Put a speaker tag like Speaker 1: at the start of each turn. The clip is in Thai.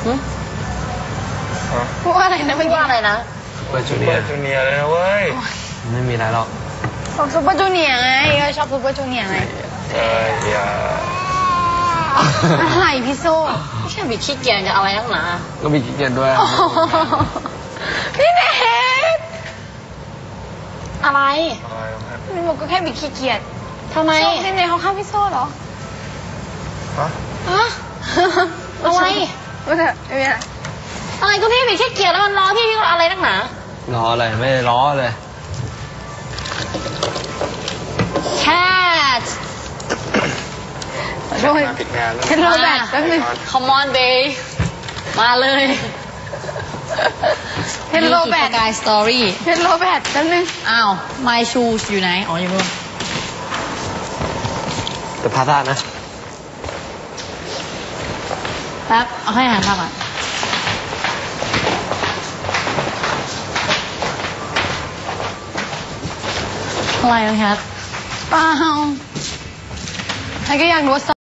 Speaker 1: พูดว่าอะไรนะไม่ว่าอะไรนะ
Speaker 2: เปิดจูเนียร์เลยนะเว้ยไม่มีอะไรหรอก
Speaker 1: ชอบซุปเปอร์จูเนียร์ไงก็ชอบซุปเปอร์จูเนียร์ไง
Speaker 2: อย่า
Speaker 1: อะไรพี่โซ่ไม่ใช่บิดขี้เกียจจะเอาอะไรนักหนา
Speaker 2: ก็มีขี้เกียจด้วย
Speaker 1: พี่เนทอะไรพี่บอกก็แค่บิดขี้เกียจทำไมพี่เนทเขาฆ่าพี่โซ่เหรอฮะอะไรไม่เถอะไม่เป็นไรอะไรก็พี่บิดขี้เกียจแล้วมันล้อพี่ก็อะไรนักหนา
Speaker 2: ล้ออะไรไม่ได้ล้อเลย
Speaker 1: แคทด้วยเฮลโลแบทแป๊บนึง Come on babe มาเลยเฮลโลแบทกายสตอรี่เฮลโลแบทแป๊บนึงอ้าว My shoes อยู่ไหนอ๋ออยู่นู่น
Speaker 2: แต่พาท่านะ
Speaker 1: แป๊บเอาให้อาหารมาก่อนอะไรนะครับเปล่าใครก็อยากรู้